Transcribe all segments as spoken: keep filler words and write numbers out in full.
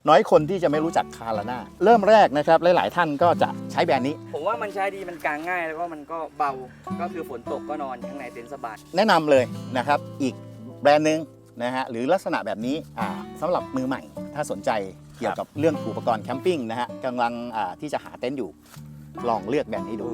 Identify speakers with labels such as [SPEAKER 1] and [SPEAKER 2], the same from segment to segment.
[SPEAKER 1] น้อยคนที่จะไม่รู้จักคาราน่าเริ่มแรกนะครับหลายๆท่านก็จะใช้แบรนด์นี้
[SPEAKER 2] ผมว่ามันใช้ดีมันกางง่ายแล้วก็มันก็เบาก็คือฝนตกก็นอนข้างในเต็นท์สบาย
[SPEAKER 1] แนะนำเลยนะครับอีกแบรนด์หนึ่งนะฮะหรือลักษณะแบบนี้อ่าสำหรับมือใหม่ถ้าสนใจเกี่ยวกับเรื่องอุปกรณ์แคมปิ้งนะฮะกำลังอ่าที่จะหาเต็นท์อยู่ลองเลือกแบรนด์นี้ดู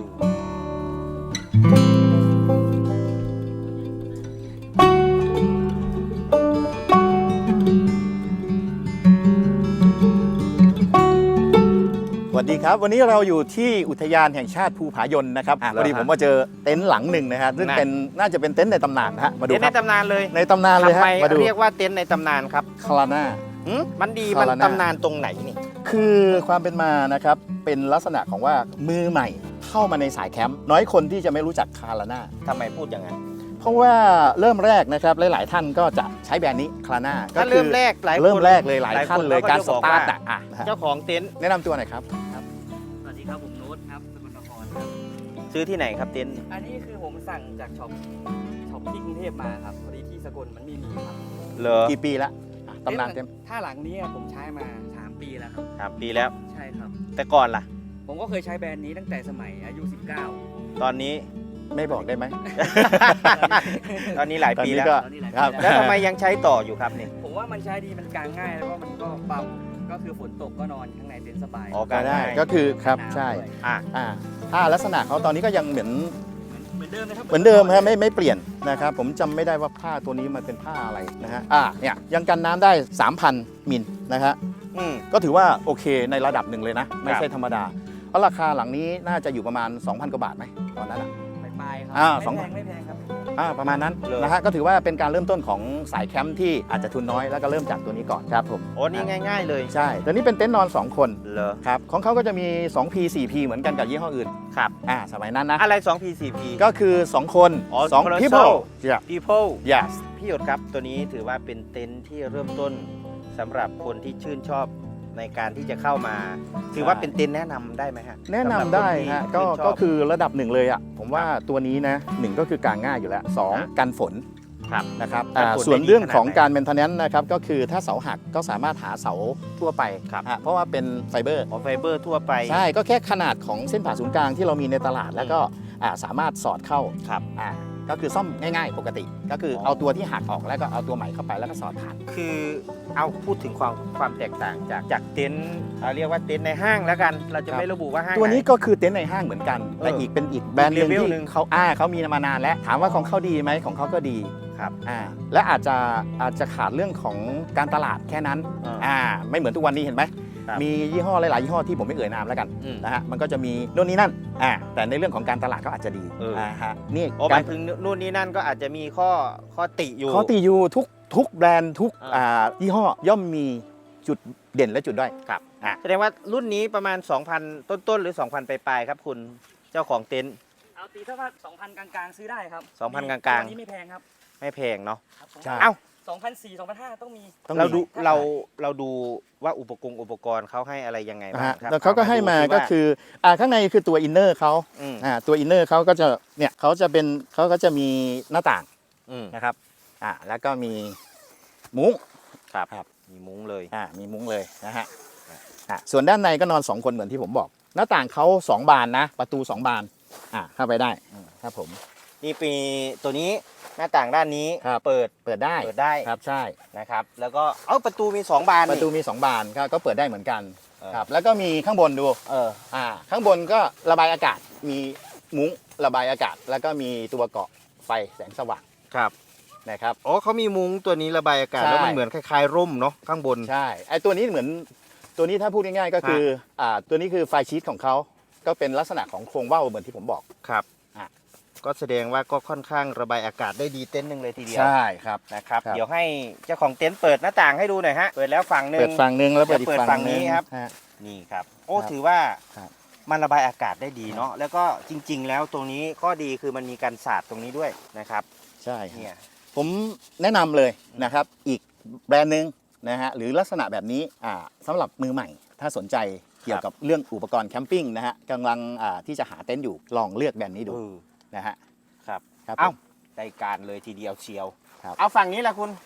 [SPEAKER 1] สวัสดีครับวันนี้เราอยู่ที่อุทยานแห่งชาติภูผายนนะครับพอดีผมมาเจอเต็นท์หลังหนึ่งนะฮะซึ่งเป็นน่าจะเป็นเต็นท์ในตำนานนะฮะมาดูครับ
[SPEAKER 3] ในตำนานเลย
[SPEAKER 1] ในตำนานเลยฮะมาดู
[SPEAKER 3] เรียกว่าเต็นท์ในตำนานครับ
[SPEAKER 1] คาราน่า
[SPEAKER 3] มันดีมันตำนานตรงไหนนี่
[SPEAKER 1] คือความเป็นมานะครับเป็นลักษณะของว่ามือใหม่เข้ามาในสายแคมป์น้อยคนที่จะไม่รู้จักคาราน่า
[SPEAKER 3] ทำไมพูดอย่างนั้น
[SPEAKER 1] เพราะว่าเริ่มแรกนะครับหลายๆท่านก็จะใช้แบรนด์นี้คาราน่า
[SPEAKER 3] ก็เริ่มแรกหลาย
[SPEAKER 1] เริ่มแรกเลยหลายท่านเลยการสตาร์ทอ่ะ
[SPEAKER 3] เจ้าของเต็นท์
[SPEAKER 1] แนะนำตัวหน่อยครับ
[SPEAKER 2] สวัสดีครับผมโน้ตครับสกลนครครับ
[SPEAKER 3] ซื้อที่ไหนครับเต็นท์
[SPEAKER 2] อันนี้คือผมสั่งจากช็อปช็อปที่กรุงเทพมาครับพอดีที่สกลมันไม่มีครับ
[SPEAKER 3] เหรอ
[SPEAKER 1] กี่ปีละตำนานเต็ม
[SPEAKER 2] ถ้าหลังนี้ผมใช้มาสามปีแล้วครับ
[SPEAKER 3] สามปีแล้ว
[SPEAKER 2] ใช่ครับ
[SPEAKER 3] แต่ก่อนล่ะ
[SPEAKER 2] ผมก็เคยใช้แบรนด์นี้ตั้งแต่สมัยอายุสิบเก้า
[SPEAKER 3] ตอนนี้
[SPEAKER 1] ไม่บอกได้ไหม
[SPEAKER 3] ตอนนี้หลายปีแล้ว
[SPEAKER 1] ครับ
[SPEAKER 3] แล้วทำไมยังใช้ต่ออยู่ครับนี่
[SPEAKER 2] ผมว่ามันใช้ดีมันกางง่ายแล้วก็มันก็เบาก็คือฝนตกก็นอนข้างในเต็นท์สบาย
[SPEAKER 3] อ๋อ
[SPEAKER 1] ก็ได้ก็คือครับใช่
[SPEAKER 3] อ่า
[SPEAKER 1] อ่าถ้าลักษณะเขาตอนนี้ก็ยังเหมือน
[SPEAKER 2] เหมือนเดิมนะครับ
[SPEAKER 1] เหมือนเดิมครับไม่ไม่เปลี่ยนนะครับผมจำไม่ได้ว่าผ้าตัวนี้มันเป็นผ้าอะไรนะฮะอ่าเนี่ยยังกันน้ำได้ สามพัน มิลนะฮะก็ถือว่าโอเคในระดับหนึ่งเลยนะไม่ใช่ธรรมดาเพราะราคาหลังนี้น่าจะอยู่ประมาณ สองพัน กว่าบาทไหมตอนนั้นอ่ะ
[SPEAKER 2] ปลายๆครับ
[SPEAKER 1] อ่า
[SPEAKER 2] ไม่แพงไม่แพงครับ
[SPEAKER 1] อ่าประมาณนั้นนะฮะก็ถือว่าเป็นการเริ่มต้นของสายแคมป์ที่อาจจะทุนน้อยแล้วก็เริ่มจากตัวนี้ก่อนครับผม
[SPEAKER 3] โอ้นี่ง่ายๆเลย
[SPEAKER 1] ใช่ตัวนี้เป็นเต็นท์นอนสองคน
[SPEAKER 3] เหรอ
[SPEAKER 1] ครับของเขาก็จะมี สองพี สี่พี เหมือนกันกับยี่ห้ออื่น
[SPEAKER 3] ครับ
[SPEAKER 1] อ่าสมัยนั้นนะ
[SPEAKER 3] อะไร สองพี สี่พี
[SPEAKER 1] ก็คือสองคน
[SPEAKER 3] อ๋อ
[SPEAKER 1] สอง people
[SPEAKER 3] yeah people
[SPEAKER 1] yes
[SPEAKER 3] พี่หยดครับตัวนี้ถือว่าเป็นเต็นท์ที่เริ่มต้นสำหรับคนที่ชื่นชอบในการที่จะเข้ามาถือว่าเป็นเต็นท์แนะนำได้ไหมฮะ
[SPEAKER 1] แนะนำได้ฮะก็ก็คือระดับหนึ่งเลยอ่ะผมว่าตัวนี้นะหนึ่งก็คือกางง่ายอยู่แล้วสองกันฝนนะครับส่วนเรื่องของการเมนเทนแนนซ์นะครับก็คือถ้าเสาหักก็สามารถหาเสาทั่วไปเพราะว่าเป็นไฟเบอร์
[SPEAKER 3] ไฟเบอร์ทั่วไป
[SPEAKER 1] ใช่ก็แค่ขนาดของเส้นผ่าศูนย์กลางที่เรามีในตลาดแล้วก็สามารถสอดเข้า
[SPEAKER 3] ครับ
[SPEAKER 1] ก็คือซ่อมง่ายๆปกติก็คือเอาตัวที่หักออกแล้วก็เอาตัวใหม่เข้าไปแล้วก็สอดผ่าน
[SPEAKER 3] คือเอาพูดถึงความความแตกต่างจากจากเต็นท์เรียกว่าเต็นท์ในห้างแล้วกันเราจะไม่ระบุว่าห้าง
[SPEAKER 1] ตัวนี้ก็คือเต็นท์ในห้างเหมือนกันแต่อีกเป็นอีกแบรนด์หนึ่งที่เขาอ่าเขามีมานานแล้วถามว่าของเขาดีไหมของเขาก็ดี
[SPEAKER 3] ครับ
[SPEAKER 1] อ่าและอาจจะอาจจะขาดเรื่องของการตลาดแค่นั้นอ่าไม่เหมือนทุกวันนี้เห็นไหมมียี่ห้อหลายๆยี่ห้อที่ผมไม่เอ่ยนามแล้วกันนะฮะมันก็จะมีโน่นนี่นั่นอ่าแต่ในเรื่องของการตลาดเขาอาจจะดีอ่าฮะนี่
[SPEAKER 3] การถึงนู่นนี่นั่นก็อาจจะมีข้อข้อติอยู่
[SPEAKER 1] ข้อติอยู่ทุกทุกแบรนด์ทุกอ่ายี่ห้อย่อมมีจุดเด่นและจุดด้อย
[SPEAKER 3] ครับอ่าแสดงว่ารุ่นนี้ประมาณ สองพัน ต้นๆหรือ สองพัน ปลายๆครับคุณเจ้าของเต็นท์
[SPEAKER 2] เอาตีถ้าว่า สองพัน กลางๆซื้อได้ครับ
[SPEAKER 3] สองพัน กลางๆ
[SPEAKER 2] นี้ไม่แพงครับ
[SPEAKER 3] ไม่แพงเนาะ
[SPEAKER 1] ใช่
[SPEAKER 3] เอ้า
[SPEAKER 2] สองพันสี่ สองพันห้า ต้องมี
[SPEAKER 3] เราดูเราเราดูว่าอุปกรณ์อุปกรณ์เขาให้อะไรยังไงบ้างครับ
[SPEAKER 1] แล้วเขาก็ให้มาก็คืออ่าข้างในคือตัวอินเนอร์เขาอ่าตัวอินเนอร์เขาก็จะเนี่ยเขาจะเป็นเขาก็จะมีหน้าต่างนะครับอ่าแล้วก็มีมุ้ง
[SPEAKER 3] ครับครับมีมุ้งเลย
[SPEAKER 1] อ่ามีมุ้งเลยนะฮะอ่าส่วนด้านในก็นอนสองคนเหมือนที่ผมบอกหน้าต่างเขาสองบานนะประตูสองบานอ่าเข้าไปได้ครับผม
[SPEAKER 3] นี่ปีตัวนี้หน้าต่างด้านนี้เปิด
[SPEAKER 1] เปิดได้
[SPEAKER 3] เปิดได้
[SPEAKER 1] ครับใช่
[SPEAKER 3] นะครับแล้วก็เอ้าประตูมีสองบาน
[SPEAKER 1] ประตูมีสองบานก็เปิดได้เหมือนกันครับแล้วก็มีข้างบนดูเอออ่าข้างบนก็ระบายอากาศมีมุ้งระบายอากาศแล้วก็มีตัวเกาะไฟแสงสว่าง
[SPEAKER 3] ครับ
[SPEAKER 1] นะครับ
[SPEAKER 3] อ๋อเขามีมุ้งตัวนี้ระบายอากาศแล้วมันเหมือนคล้ายๆร่มเนาะข้างบน
[SPEAKER 1] ใช่ไอตัวนี้เหมือนตัวนี้ถ้าพูดง่ายๆก็คืออ่าตัวนี้คือไฟชีทของเขาก็เป็นลักษณะของโครงว่าวเหมือนที่ผมบอก
[SPEAKER 3] ครับก็แสดงว่าก็ค่อนข้างระบายอากาศได้ดีเต็นท์หนึ่งเลยทีเดียว
[SPEAKER 1] ใช่ครับ
[SPEAKER 3] นะครับเดี๋ยวให้เจ้าของเต็นท์เปิดหน้าต่างให้ดูหน่อยฮะเปิดแล้วฝั่งนึง
[SPEAKER 1] เปิดฝั่งนึงแล้วเปิดอีกฝั่ง
[SPEAKER 3] นี้ครับนี่ครับโอ้ถือว่ามันระบายอากาศได้ดีเนาะแล้วก็จริงๆแล้วตรงนี้ข้อดีคือมันมีการสาดตรงนี้ด้วยนะครับ
[SPEAKER 1] ใช่เนี่ยผมแนะนำเลยนะครับอีกแบรนด์หนึ่งนะฮะหรือลักษณะแบบนี้อ่าสำหรับมือใหม่ถ้าสนใจเกี่ยวกับเรื่องอุปกรณ์แคมปิ้งนะฮะกำลังอ่าที่จะหาเต็นท์อยู่ลองเลือกแบรนด์นี้ดูนะฮะ
[SPEAKER 3] ครับเอ้าได้การเลยทีเดียวเชียวเอาฝั่งนี้แหละคุณ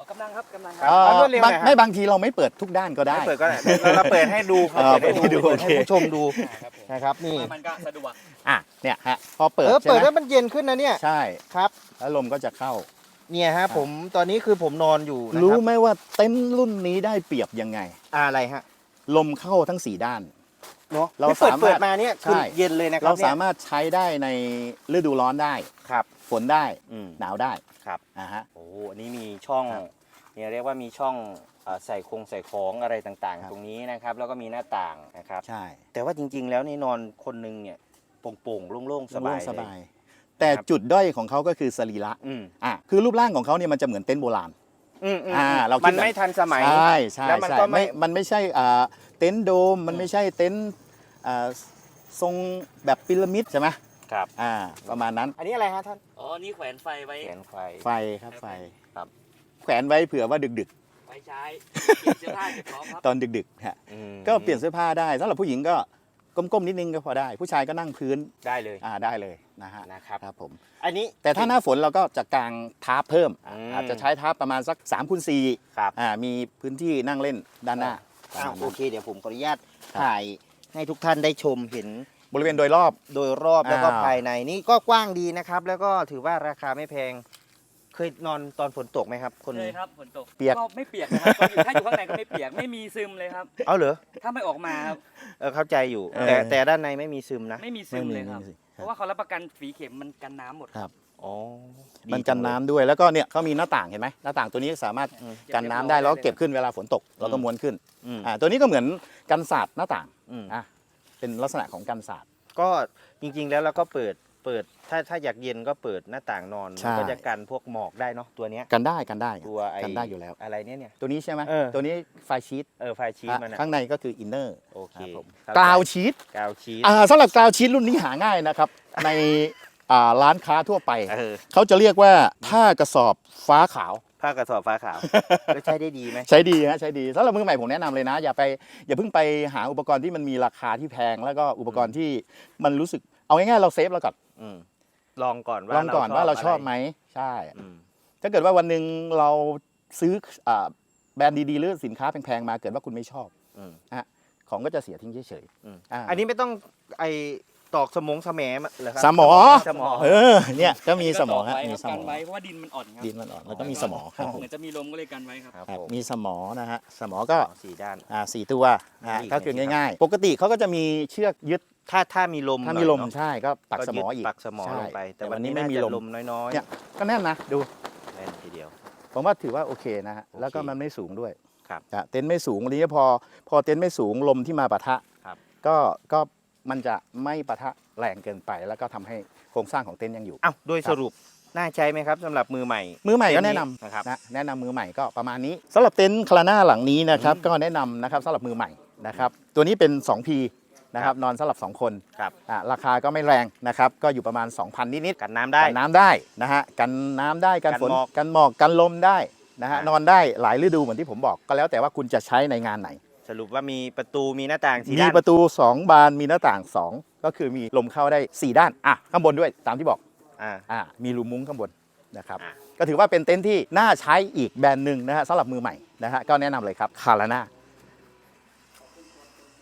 [SPEAKER 2] กำลังครับกำลังค
[SPEAKER 1] เอ่
[SPEAKER 2] รับ
[SPEAKER 1] อ
[SPEAKER 3] เอารวดเร็วหน่
[SPEAKER 1] บา
[SPEAKER 3] อง ยฮะ
[SPEAKER 1] ไม่บางทีเราไม่เปิดทุกด้านก็ได้
[SPEAKER 3] ไม่เปิดก็ได้เราเราเปิดให้ดูครับ
[SPEAKER 1] เออเปิดให้ดู
[SPEAKER 3] เปิด
[SPEAKER 1] โอเค
[SPEAKER 3] ให้ผู้ชมดู
[SPEAKER 2] ครับผม
[SPEAKER 3] นะครับนี่
[SPEAKER 2] มันก็สะดวก
[SPEAKER 1] อ่ะเนี่ยฮะพอเปิด
[SPEAKER 3] เออ
[SPEAKER 1] ใช่
[SPEAKER 3] เปิด
[SPEAKER 1] ไหม
[SPEAKER 3] แล้วมันเย็นขึ้นนะเนี่ย
[SPEAKER 1] ใช่
[SPEAKER 3] ครับ
[SPEAKER 1] แล้วลมก็จะเข้า
[SPEAKER 3] เนี่ยฮะผมตอนนี้คือผมนอนอยู่นะ
[SPEAKER 1] รู้
[SPEAKER 3] ครับ
[SPEAKER 1] ไหมว่าเต็นท์รุ่นนี้ได้เปรียบยังไง
[SPEAKER 3] อะไรฮะ
[SPEAKER 1] ลมเข้าทั้งสี่ด้าน
[SPEAKER 3] เนาะ
[SPEAKER 1] เรา
[SPEAKER 3] ไม่เปิด
[SPEAKER 1] สามารถ
[SPEAKER 3] เปิดมาเนี่ยคือ
[SPEAKER 1] ใช่
[SPEAKER 3] เย็นเลยนะครั
[SPEAKER 1] เรา
[SPEAKER 3] บเนี่ย
[SPEAKER 1] สามารถใช้ได้ในฤดูร้อนได้
[SPEAKER 3] ครับ
[SPEAKER 1] ฝนได้
[SPEAKER 3] อืม
[SPEAKER 1] หนาวได้
[SPEAKER 3] ครับ
[SPEAKER 1] อ่าฮะ
[SPEAKER 3] โอ้อันนี้มีช่อง
[SPEAKER 1] ครับ
[SPEAKER 3] เนี่ยเรียกว่ามีช่องเอ่อใส่คงใส่ของอะไรต่าง
[SPEAKER 1] ครับ
[SPEAKER 3] ๆ ตรงนี้นะครับ แล้วก็มีหน้าต่างนะครับ
[SPEAKER 1] ใช่
[SPEAKER 3] แต่ว่าจริง ๆ แล้วนี่นอนคนหนึงเนี่ยโปร่งๆโล่งๆสบาย
[SPEAKER 1] ส
[SPEAKER 3] เลย
[SPEAKER 1] บาย แต่
[SPEAKER 3] ครับ
[SPEAKER 1] จุดด้อยของเขาก็คือสรีระ
[SPEAKER 3] อืม
[SPEAKER 1] อ่ะคือรูปร่างของเขาเนี่ยมันจะเหมือนเต็นท์โบราณ
[SPEAKER 3] อืมอืม
[SPEAKER 1] อ่าเราคิด
[SPEAKER 3] มันไม่ทันสมัย
[SPEAKER 1] ใช่ใช่
[SPEAKER 3] แล้วมัน
[SPEAKER 1] ใช่
[SPEAKER 3] ก็ไม่
[SPEAKER 1] ไม่มันไม่ใช่อ่าเต็นท์โดม มันไม่ใช่เต็นท์อ่าทรงแบบพีระมิดใช่ไหม
[SPEAKER 3] ครับ
[SPEAKER 1] อ่าประมาณนั้น
[SPEAKER 3] อันนี้อะไรฮะท่าน
[SPEAKER 2] อ๋อนี่แขวนไฟไว้
[SPEAKER 3] แขนไฟ
[SPEAKER 1] ไฟครับไฟ
[SPEAKER 3] ครับ
[SPEAKER 1] แขวนไว้เผื่อว่าดึก
[SPEAKER 2] ไว้ใช้เก็บเสื้อผ้าเก็บของครับ
[SPEAKER 1] ๆ ตอนดึกๆฮะ
[SPEAKER 3] อืม
[SPEAKER 1] ก็เปลี่ยนเสื้อผ้าได้สำหรับผู้หญิงก็ก้มๆนิดนึงก็พอได้ ผู้ชายก็นั่งพื้น
[SPEAKER 3] ได้เลย
[SPEAKER 1] อ่าได้เลยนะฮะ
[SPEAKER 3] นะครับ
[SPEAKER 1] ครับผม
[SPEAKER 3] อันนี้
[SPEAKER 1] แต่ถ้าหน้าฝนเราก็จะกางทาร์ปเพิ่มอ่ะ
[SPEAKER 3] อืม
[SPEAKER 1] อาจจะใช้ทาร์ปประมาณสัก3ามคูณสี่
[SPEAKER 3] ครับ
[SPEAKER 1] อ่ามีพื้นที่นั่งเล่นด้านหน้า
[SPEAKER 3] อ้าว
[SPEAKER 1] ประมาณ
[SPEAKER 3] โอ
[SPEAKER 1] นั้น
[SPEAKER 3] เค เดี๋ยวผมขออนุญาต
[SPEAKER 1] ครับ
[SPEAKER 3] ถ่ายให้ทุกท่านได้ชมเห็น
[SPEAKER 1] บริเวณโดยรอบ
[SPEAKER 3] โดยรอบแล้วก็
[SPEAKER 1] อ่า
[SPEAKER 3] ภายในนี่ก็กว้างดีนะครับ แล้วก็ถือว่าราคาไม่แพง เคยนอนตอนฝนตกไหมครับ คน
[SPEAKER 2] เลยครับฝนตก
[SPEAKER 1] เปียก
[SPEAKER 2] ก็ไม่เปียกนะครับก็อยู่ถ้าอยู่ข้างในก็ไม่เปียกไม่มีซึมเลยครับ
[SPEAKER 3] เอาเหรอ
[SPEAKER 2] ถ้าไม่ออกมาครับ
[SPEAKER 3] เออเข้าใจอยู่
[SPEAKER 1] เออ
[SPEAKER 3] แต่แต่ด้านในไม่มีซึมนะ
[SPEAKER 2] ไม่มีซึมเลยครับ
[SPEAKER 1] ไม่มี
[SPEAKER 2] เพราะว่าเขารับประกันฝีเข็มมันกันน้ำหมด
[SPEAKER 1] ครับ
[SPEAKER 3] อ๋อดี
[SPEAKER 1] มันกันน้ำด้วยแล้วก็เนี่ยเขามีหน้าต่างเห็นไหมหน้าต่างตัวนี้สามารถ
[SPEAKER 3] อืม
[SPEAKER 1] กันน้ำได้แล้วก็เก็บขึ้นเวลาฝนตกเราก็ม้วนขึ้น
[SPEAKER 3] อืม
[SPEAKER 1] อ่าตัวนี้ก็เหมือนกันศาสตร์หน้าต่าง
[SPEAKER 3] อืม
[SPEAKER 1] อ่ะเป็นลักษณะของกันศาสตร์
[SPEAKER 3] ก็จริงๆแล้วเราก็เปิดเปิดถ้าถ้าอยากเย็นก็เปิดหน้าต่างนอน
[SPEAKER 1] ใช่
[SPEAKER 3] มันก็จะกันพวกหมอกได้เนาะตัวเนี้ย
[SPEAKER 1] กันได้กันได้
[SPEAKER 3] ตัวไอ้
[SPEAKER 1] กันได้อยู่แล้ว
[SPEAKER 3] อะไรเนี่ยเนี่ย
[SPEAKER 1] ตัวนี้ใช่ไหม
[SPEAKER 3] เออ
[SPEAKER 1] ตัวนี้ไฟชีต
[SPEAKER 3] เออไฟชีสมันอะ
[SPEAKER 1] ข้างในก็คืออินเนอร์
[SPEAKER 3] โอเค
[SPEAKER 1] ครับผม
[SPEAKER 3] เข้ใจ
[SPEAKER 1] กราวชีต
[SPEAKER 3] กาวชีส
[SPEAKER 1] อ่าสำหรับกราวชีตรุ่นนี้หาง่ายนะครับ ในอ่าร้านค้าทั่วไป
[SPEAKER 3] เออ
[SPEAKER 1] เขาจะเรียกว่าผ้ากระสอบฟ้าขาว
[SPEAKER 3] ผ้ากระสอบฟ้าขาว แล้วใช้ได้ดีไหม
[SPEAKER 1] ใช้ดีฮะใช้ดีสำหรับมือใหม่ผมแนะนำเลยนะ อย่าไปอย่าเพิ่งไปหาอุปกรณ์ที่มันมีราคาที่แพง แล้วก็อุปกรณ์ที่มันรู้สึกเอาง่ายๆเราเซฟแล้วก่อน
[SPEAKER 3] อืมลองก่อนว่า
[SPEAKER 1] ลองก่อนว่าเราชอบ
[SPEAKER 3] ะ
[SPEAKER 1] ไหมใช่
[SPEAKER 3] อืม
[SPEAKER 1] ถ้าเกิดว่าวันหนึ่งเราซื้ออ่าแบรนด์ดีๆหรือสินค้าแพงๆมาเกิดว่าคุณไม่ชอบ
[SPEAKER 3] อืม
[SPEAKER 1] ของก็จะเสียทิ้งเฉย
[SPEAKER 3] อืม
[SPEAKER 1] อ่า
[SPEAKER 3] อันนี้ไม่ต้องไอตอกสมงสแหมเหรอครั
[SPEAKER 1] สมอ
[SPEAKER 3] สมอ
[SPEAKER 1] ๆเออเนี่ยก็มีสมอ
[SPEAKER 2] ก็
[SPEAKER 1] ฮะ
[SPEAKER 2] ตกไว้
[SPEAKER 1] มี
[SPEAKER 2] ครับ
[SPEAKER 1] ส
[SPEAKER 2] กั
[SPEAKER 1] ม
[SPEAKER 2] น
[SPEAKER 1] อ
[SPEAKER 2] ไว้เพราะว่าดินมันอ่อนครับ
[SPEAKER 1] ดินมันอ่อนแล้วก็มีสมอครับผม
[SPEAKER 2] เหมือนจะมีลมก็เลยกันไว้ครับ
[SPEAKER 3] ครับ
[SPEAKER 1] ครับ
[SPEAKER 3] ผม
[SPEAKER 1] มีสมอนะฮะสมอก็
[SPEAKER 3] สี่ด้าน
[SPEAKER 1] อ่าสี่ตัวนะฮะ
[SPEAKER 3] อีก
[SPEAKER 1] ก็คือ
[SPEAKER 3] ไหนสิครับ
[SPEAKER 1] ง่ายๆ ปกติเขาก็จะมีเชือกยึด
[SPEAKER 3] ถ้าถ้ามีลม
[SPEAKER 1] ถ้า
[SPEAKER 3] หน่
[SPEAKER 1] มี
[SPEAKER 3] อย
[SPEAKER 1] ลม
[SPEAKER 3] เนอะ
[SPEAKER 1] ใช่ก็ปักสมอ
[SPEAKER 3] ยึด
[SPEAKER 1] อีก
[SPEAKER 3] ปักสมอ
[SPEAKER 1] ใช่
[SPEAKER 3] ลงไป แต่
[SPEAKER 1] แต่วั
[SPEAKER 3] วัน
[SPEAKER 1] น
[SPEAKER 3] นี้
[SPEAKER 1] นี้
[SPEAKER 3] ไม่
[SPEAKER 1] ไม่
[SPEAKER 3] มี
[SPEAKER 1] มี
[SPEAKER 3] ล
[SPEAKER 1] ล
[SPEAKER 3] ม
[SPEAKER 1] ม
[SPEAKER 3] น้อย
[SPEAKER 1] เนี่ยก็แน่นนะดู
[SPEAKER 3] ๆแน่นทีเดียว
[SPEAKER 1] ผมว่าถือว่าโอเคนะฮะ
[SPEAKER 3] โอเค
[SPEAKER 1] แล้วก็มันไม่สูงด้วย
[SPEAKER 3] ครับ
[SPEAKER 1] อ่ะเต็นท์ไม่สูงวันนี้พอพอเต็นท์ไม่สูงลมที่มาปะทะ
[SPEAKER 3] ครับ
[SPEAKER 1] ก็ก็มันจะไม่ปะทะแรงเกินไป แล้วก็ทำให้โครงสร้างของเต็นท์ยังอยู่
[SPEAKER 3] อ้าวโดย
[SPEAKER 1] ครับ
[SPEAKER 3] สรุปน่าใช้ไหมครับสำหรับมือใหม่
[SPEAKER 1] มือใหม่ก็
[SPEAKER 3] เต็นท์
[SPEAKER 1] แนะนำ
[SPEAKER 3] นะครับ
[SPEAKER 1] นะแนะนำมือใหม่ก็ประมาณนี้สำหรับเต็นท์คลาน่าหลังนี้นะครับ
[SPEAKER 3] อืม
[SPEAKER 1] ก็แนะนำนะครับสำหรับมือใหม่นะครับตัวนี้เป็น สองพี นะครับนอนสำหรับสองคน
[SPEAKER 3] ครับ
[SPEAKER 1] อ่ะราคาก็ไม่แรงนะครับก็อยู่ประมาณ สองพัน นิดๆ
[SPEAKER 3] กันน้ำได้
[SPEAKER 1] กันน้ำได้นะฮะกันน้ำได้กัน
[SPEAKER 3] กัน
[SPEAKER 1] ฝน
[SPEAKER 3] หมอก
[SPEAKER 1] กันหมอกกันลมได้นะฮะ
[SPEAKER 3] อ่ะ
[SPEAKER 1] นอนได้หลายฤดูเหมือนที่ผมบอกก็แล้วแต่ว่าคุณจะใช้ในงานไหน
[SPEAKER 3] สรุปว่ามีประตูมีหน้าต่างสี่
[SPEAKER 1] มี
[SPEAKER 3] ด้าน
[SPEAKER 1] ประตู สอง บานมีหน้าต่าง สอง ก็คือมีลมเข้าได้ สี่ ด้านอ่ะข้างบนด้วยตามที่บอก
[SPEAKER 3] อ่า
[SPEAKER 1] อ่ะมีรูมุ้งข้างบนนะครับ
[SPEAKER 3] อ่ะ
[SPEAKER 1] ก็ถือว่าเป็นเต็นท์ที่น่าใช้อีกแบรนด์หนึ่งนะฮะสำหรับมือใหม่นะฮะก็แนะนำเลยครับคาราน่า